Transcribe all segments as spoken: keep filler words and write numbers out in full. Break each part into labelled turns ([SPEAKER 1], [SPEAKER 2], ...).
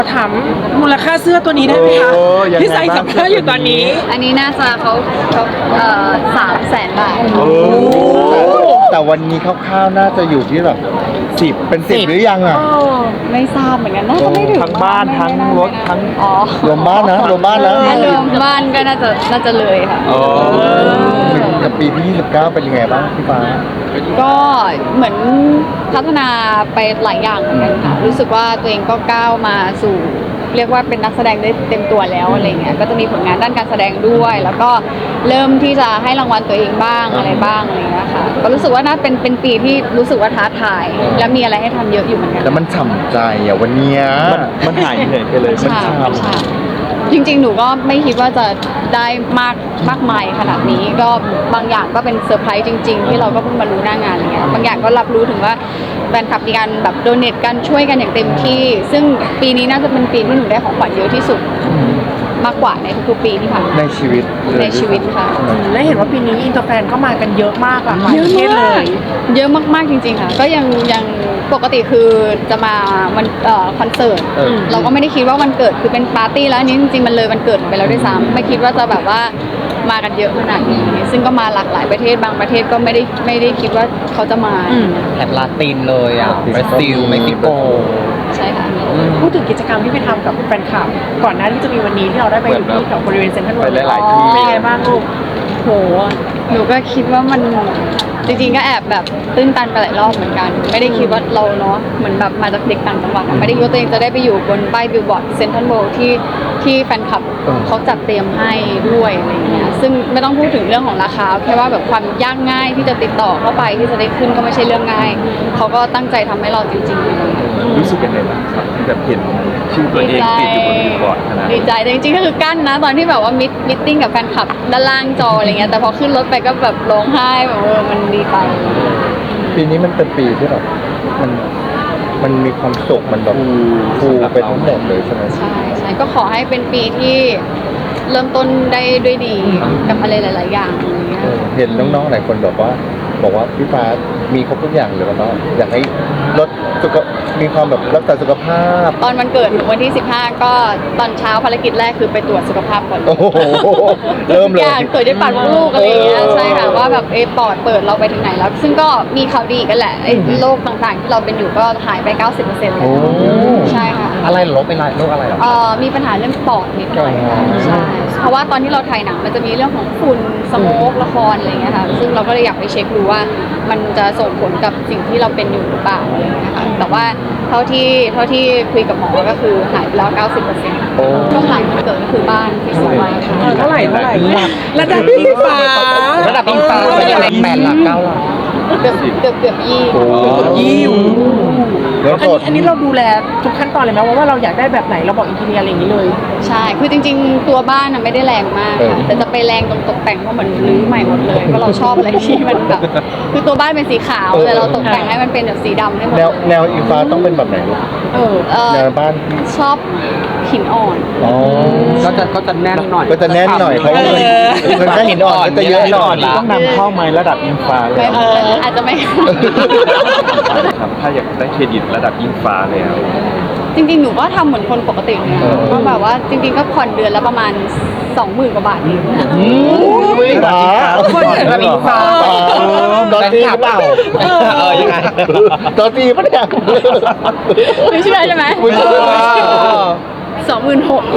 [SPEAKER 1] ถามมูลค่าเสื้อตัวนี้ได้ไหมคะที่ใส่สัมภาษณ์อยู่ตอนนี้
[SPEAKER 2] อันนี้น่าจะเขาเขาเอ่อสามแสนบาท
[SPEAKER 3] แต่วันนี้คร่าวๆน่าจะอยู่ที่แบบสิบเป็นสิบหรือยังอ่ะ
[SPEAKER 2] ไม่ทราบเหมือนกันน่าจะไม่ถึง
[SPEAKER 4] ทั้งบ้านทั้งรถทั้ง
[SPEAKER 2] อ๋อ
[SPEAKER 3] รวมบ้านนะรวมบ้านนะ
[SPEAKER 2] รวมบ้านก็น่าจะน่าจะเลยค่ะ
[SPEAKER 3] กับปีที่ยี่สิบเก้าเป็นยังไงบ้างพี่ฟ้า
[SPEAKER 2] ก็เหมือนพัฒนาไปหลายอย่างเหมือนกันค่ะรู้สึกว่าตัวเองก็ก้าวมาสู่เรียกว่าเป็นนักแสดงได้เต็มตัวแล้วอะไรเงี้ยก็จะมีผลงานด้านการแสดงด้วย แล้วก็เริ่มที่จะให้รางวัลตัวเองบ้างอะไรบ้างอะไรเงี้ยค่ะก็รู้สึกว่าน่าเป็นเป็นปีที่รู้สึกว่าท้าทายและมีอะไรให้ทำเยอะอยู่เหมือนกัน
[SPEAKER 3] แล้วมันฉ่ำใจอ่ะวันนี้
[SPEAKER 4] มันหายเหนื่อยไปเลย
[SPEAKER 2] มันฉ่ำจริงๆหนูก็ไม่คิดว่าจะได้มากมากมายขนาดนี้ก็บางอย่างก็เป็นเซอร์ไพรส์จริงๆที่เราก็เพิ่งมารู้หน้างานอะไรเงี้ยบางอย่างก็รับรู้ถึงว่าแฟนคลับมีการแบบโดเนทกันช่วยกันอย่างเต็มที่ซึ่งปีนี้น่าจะเป็นปีที่หนูได้ของขวัญเยอะที่สุดมากกว่าในทุกๆปีที่ผ่านมา
[SPEAKER 3] ในชีวิต
[SPEAKER 2] ในชีวิตค่ะ
[SPEAKER 1] และเห็นว่าปีนี้อินเตอร์แฟนก็มากันเยอะมากอะเยอะมาก
[SPEAKER 2] เยอะมากๆจริงๆค่ะก็ยังยังปกติคือจะมาวันเอ่อคอนเสิร์ตเราก็ไม่ได้คิดว่าวันเกิดคือเป็นปาร์ตี้แล้วอันนี้จริงๆมันเลยวันเกิดไปแล้วด้วยซ้ำไม่คิดว่าจะแบบว่ามากันเยอะขนาดนี้ซึ่งก็มาหลากหลายประเทศบางประเทศก็ไม่ได้ไม่ได้คิดว่าเขาจะมา
[SPEAKER 5] แถบลาตินเลยอ่ะบราซิลเม็กซิโก
[SPEAKER 2] ใช่ค่ะ
[SPEAKER 1] พูดถึงกิจกรรมที่ไปทำกับแฟนคลับก่อนหน้าที่จะมีวันนี้ที่เราได้ไปอยู่ที่แถวบริเวณเซ็นทรัลเวิลด์
[SPEAKER 4] หลายๆที่
[SPEAKER 1] เป็นไงบ้างลูก
[SPEAKER 2] โหหนูก็คิดว่ามันจริงๆก็แอบแบบตื้นตันไปหลายรอบเหมือนกันไม่ได้คิดว่าเราเนาะเหมือนแบบมาจากเด็กต่างจังหวัดไม่ได้คิดว่าตัวเองจะได้ไปอยู่บนป้ายบิลบอร์ดเซ็นทรัลเวิลด์ที่ที่แฟนคลับเขาจัดเตรียมให้ด้วยอะไรเงี้ยซึ่งไม่ต้องพูดถึงเรื่องของราคาแค่ว่าแบบความยากง่ายที่จะติดต่อเข้าไปที่จะได้ขึ้นก็ไม่ใช่เรื่องง่ายเขาก็ตั้งใจทำให้เราจริง
[SPEAKER 4] ๆรู้สึกยังไงบ้างครับที่แบบเห็นชื่อตัวเองติดอยู่บนบิลบอร์ดขนาด
[SPEAKER 2] ดีใจแต่จริงๆก็คือกั้นนะตอนที่แบบว่ามิทมิทติ้งกับแฟนคลับด้านล่างจออะไรเงี้ยแต่พอขึ้นรถไปก็แบบร้องไห้แบบเออมันดีใจ
[SPEAKER 3] ปีนี้มันเป็นปีที่แบบมันมันมีความสุขมันแบบฟูไปทั้งหมดเลยใช่ไหม
[SPEAKER 2] ใช่ใช่ก็ขอให้เป็นปีที่เริ่มต้นได้ด้วยดีกับอะไรหลายๆอย่างอะไรเงี้ย
[SPEAKER 3] เห็นน้องๆหลายคนบอกว่าบอกว่าพี่ฟ้ามีครบทุกอย่างเลยว่าอยากให้ลดสุขมีความแบบรักษาสุขภาพ
[SPEAKER 2] ตอนวันเกิดหนูวันที่สิบห้าก็ตอนเช้าภารกิจแรกคือไปตรวจสุขภาพก่อน
[SPEAKER 3] โอ้โหเริ่มเลย
[SPEAKER 2] ตรวจด้วยปากมดลูกอะไรอย่างเงี้ยใช่ค่ะว่าแบบเอปอดเปิดเราไปถึงไหนแล้วซึ่งก็มีข่าวดีกันแหละไอ้โรคต่างๆที่เราเป็นอยู่ก็หายไป เก้าสิบเปอร์เซ็นต์ เลยใช่ค่ะ
[SPEAKER 5] อะไรลบเป็นไรโรคอะไรหรอ
[SPEAKER 2] เอ่อมีปัญหาเรื่องปอดนิดหน่อยใช่เพราะว่าตอนที่เราถ่ายหนังมันจะมีเรื่องของฝุ่นสโมกละครอะไรอย่างเงี้ยค่ะซึ่งเราก็เลยอยากไปเช็คดูว่ามันจะส่งผลกับสิ่งที่เราเป็นอยู่หรือเปล่าอะไรอย่างเงี้ยค่ะแต่ว่าเท่าที่เท่าที่คุยกับหมอก็คือหายไปแล้ว เก้าสิบเปอร์เซ็นต์ ก็หายเกิดก็คือบ้านที่สวย
[SPEAKER 1] เท่าไหร่เท่าไหร่ระดับอิงฟ้า
[SPEAKER 5] ระดับอิงฟ้าเป็นยังไงแปดหลักเก้าหลัก
[SPEAKER 2] เกือบเกือบเกือบยี่
[SPEAKER 1] เกือบยี่อันนี้อันนี้เราดูแลทุกขั้นตอนเลยไหมว่าเราอยากได้แบบไหนเราบอกอินทีเนียอะไรอย่างนี้เลย
[SPEAKER 2] ใช่คือจริงๆตัวบ้านน่ะไม่ได้แรงมากแต่จะไปแรงตรงตกแต่งเพราะเหมือนรื้อใหม่หมดเลยเพราะเราชอบอะไรที่มันแบบคือตัวบ้านเป็นสีขาวแต่เราตกแต่งให้มันเป็นแบบสีดำให้หมด
[SPEAKER 3] แนวแนวอิงฟ้าต้องเป็นแบบไหน
[SPEAKER 2] เออ
[SPEAKER 3] แนวบ้าน
[SPEAKER 2] ชอบหินอ่อน
[SPEAKER 5] ก็จะก็จะแน่นหน่อย
[SPEAKER 3] ก็จะแน่นหน่อยเพราะมันก็หินอ่อนก็จะเยอะหน่อย
[SPEAKER 4] ต้องนำเข้าไม้ระดับอิงฟ้าเลย
[SPEAKER 2] อาจจะไม่
[SPEAKER 4] ถ้าอยากได้เครดิตระดับอิงฟ้าแล้ว
[SPEAKER 2] จริงๆหนูก็ทำเหมือนคนปกติเนี่ยก็แบบว่าจริงๆก็ผ่อนเดือนละประมาณสองหมื่นกว่าบาทเอง
[SPEAKER 3] ไม่หา
[SPEAKER 1] คนเดือนละอิงฟ้า
[SPEAKER 3] ตอนตีเปล่า
[SPEAKER 5] เออยังไง
[SPEAKER 3] ตอนตีปะเนี่ย
[SPEAKER 2] ไม่เชื่อใช่ไหมสองหมื่นหก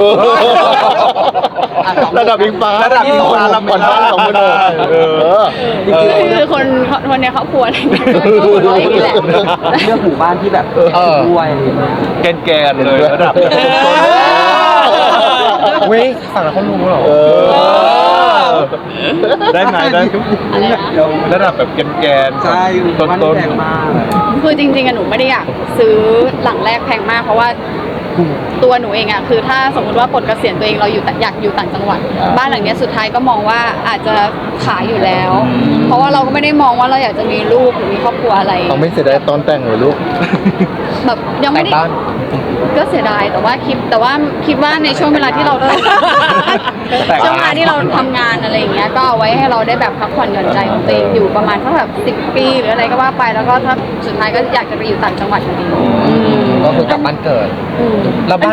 [SPEAKER 3] ระดับอิงฟ้า
[SPEAKER 4] ระดับอิงฟ้า
[SPEAKER 3] ลำก่อนบ้านสองหมื่นหก
[SPEAKER 2] คือคนคนในครอบครัวอะไรเงี้ยก็หัวเราะอย่างนี้แหละ
[SPEAKER 5] เรื่องหมู่บ้านที่แบบด้วย
[SPEAKER 4] แกนแกนเลยระดับ
[SPEAKER 5] เว้ยฝั่งเราเขารู้หรอ
[SPEAKER 4] ได้ไหมได้ระดับแบบแกนแกน
[SPEAKER 5] ใช่
[SPEAKER 4] ต้นต้นมาก
[SPEAKER 2] คือจริงๆอะหนูไม่ได้อยากซื้อหลังแรกแพงมากเพราะว่าตัวหนูเองอะคือถ้าสมมติว่าปลดเกษียณตัวเองเราอยู่อยากอยู่ต่างจังหวัดบ้านหลังนี้สุดท้ายก็มองว่าอาจจะขายอยู่แล้วเพราะว่าเราก็ไม่ได้มองว่าเราอยากจะมีลูกหรือมีครอบครัวอะไร
[SPEAKER 3] เราไม่เสียดายตอนแต่งหรือลูก
[SPEAKER 2] แบบยังไม่ได้ก็เสียดายแต่ว่าคิดแต่ว่าคิดว่าในช่วงเวลาที่เราช่วงเวลาที่เราทำงานอะไรอย่างเงี้ยก็เอาไว้ให้เราได้แบบพักผ่อนหย่อนใจของตัวเองอยู่ประมาณเท่าแบบสิบปีหรืออะไรก็ว่าไปแล้วก็ถ้าสุดท้ายก็อยากจะไปอยู่ต่างจังหวัดอยู่ดี
[SPEAKER 5] ก็คือกลับบ้านเกิดแล้วบ้าน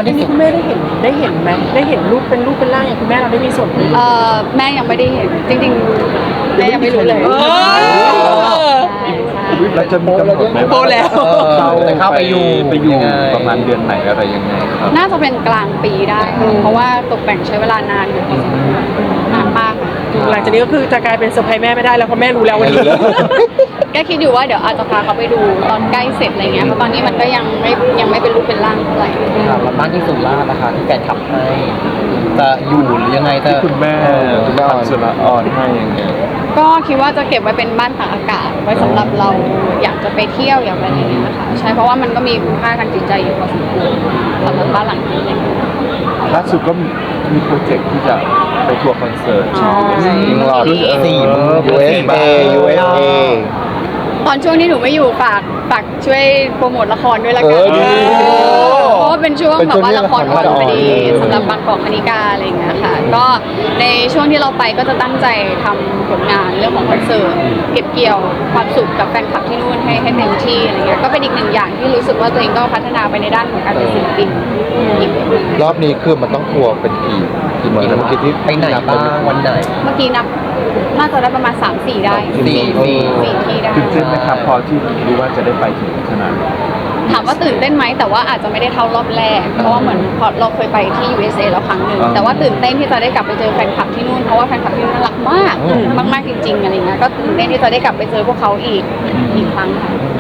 [SPEAKER 1] ทีนี้คุณแม่ได้เห็นได้เห็นไหมได้เห็นรูปเป็นรูปเป็นร่างอย่างคุณแม่เราได้มีส่วนไหม
[SPEAKER 2] เอ่อแม่ยังไม่ได้เห็นจริงๆแม่ยังไม่รู้เลย
[SPEAKER 1] เออ
[SPEAKER 2] ใช่ใช่
[SPEAKER 4] แล้วจะมีกำหนดไหม
[SPEAKER 1] โตแล้ว
[SPEAKER 4] เรา
[SPEAKER 5] จะเข้าไปอยู่
[SPEAKER 4] ไปอยู่
[SPEAKER 5] ยังไง
[SPEAKER 4] ประมาณเดือนไหนอะไรยังไงครับ
[SPEAKER 2] น่าจะเป็นกลางปีได้ค่ะเพราะว่าตกแต่งใช้เวลานานอยู่พอสมควรนานมากค่ะ
[SPEAKER 1] หลังจากนี้ก็คือจะกลายเป็นเซอร์ไพรส์แม่ไม่ได้แล้วเพราะแม่รู้แล้ววันนี้
[SPEAKER 2] ก็คิดอยู่ว่าเดี๋ยวอาจจะพาเขาไปดูตอนใกล้เสร็จอะไรเงี้ยเพราะตอนนี้มันก็ยังไม่ยังไม่เป็นรูปเป็นร่างเท่าไหร่
[SPEAKER 5] ครับแล้วบ้านที่สุราษฎร์นะคะที่แฟนขับให้จะอยู่หรือยังไงจะ
[SPEAKER 4] ที่คุณแม่
[SPEAKER 3] คุณแม่อ่อน
[SPEAKER 4] ทำสุราอ่อนให้ยังไง
[SPEAKER 2] ก็คิดว่าจะเก็บไว้เป็นบ้านตากอากาศไว้สำหรับเราอยากจะไปเที่ยวอยากอะไรอย่างเงี้ยค่ะใช่เพราะว่ามันก็มีคุณค่าทางจิตใจอยู่พอสมควรสำหรับบ้านหลังนี้อะไรเงี้ย
[SPEAKER 4] ล่าสุดก็มีโปรเจกต์ที่จะไปทัวร์คอนเสิร์ต
[SPEAKER 2] อ๋อ
[SPEAKER 3] ยิงหลอด
[SPEAKER 5] สี่หมื่น
[SPEAKER 3] ยู เอส เอ ยู เอส เอ
[SPEAKER 2] ตอนช่วงที่หนูไม่อยู่ฝากฝากช่วยโปรโมทละครด้วยละกัน
[SPEAKER 3] เออดี
[SPEAKER 2] เพราะว่าเป็นช่วง
[SPEAKER 3] เป็น
[SPEAKER 2] แบ
[SPEAKER 3] ช่ว
[SPEAKER 2] บ
[SPEAKER 3] ง
[SPEAKER 2] ว่า
[SPEAKER 3] ที่
[SPEAKER 2] ละครออน
[SPEAKER 3] ละคร
[SPEAKER 2] พอดี
[SPEAKER 3] จะออน
[SPEAKER 2] สำหรับบางกอกคณิกาอะไรอย่างเงี้ยค่ะ ก็ในช่วงที่เราไปก็จะตั้งใจทำผลงานเรื่องของคอนเสิร์ตเก็บเกี่ยวความสุขกับแฟนคลับที่นู่นให้ให้เต็มที่อะไรเงี้ยก็เป็นอีกหนึ่งอย่างที่รู้สึกว่าตัวเองก็พัฒนาไปในด้านของการเป็นศิลปินอีก
[SPEAKER 3] รอบนี้คือมันต้องทัวร์เป็นกี่กี่เมืองนะเมื่อกี้ที่
[SPEAKER 5] ไปไหนบ้างวันไหน
[SPEAKER 2] เมื่อกี้นับน่าจะได้ประมาณ สามสี่ ได้
[SPEAKER 5] สี่สี่
[SPEAKER 2] สี่ที่ได้
[SPEAKER 4] ตื่นเต้นไหมครับพอที่รู้ว่าจะได้ไปถึงขนาดนี้
[SPEAKER 2] ถามว่าตื่นเต้นไหมแต่ว่าอาจจะไม่ได้เท่ารอบแรก เพราะว่าเหมือนพอเราเคยไปที่ ยู เอส เอ แล้วครั้งหนึ่ง
[SPEAKER 4] อ่า
[SPEAKER 2] แต่ว่าตื่นเต้นที่จะได้กลับไปเจอแฟนคลับที่นู่นเพราะว่าแฟนคลับที่นู่นน่ารักมากมากๆจริงๆอะไรเงี้ยก็ตื่นเต้นที่จะได้กลับไปเจอพวกเขาอีกอีกครั้งค่ะ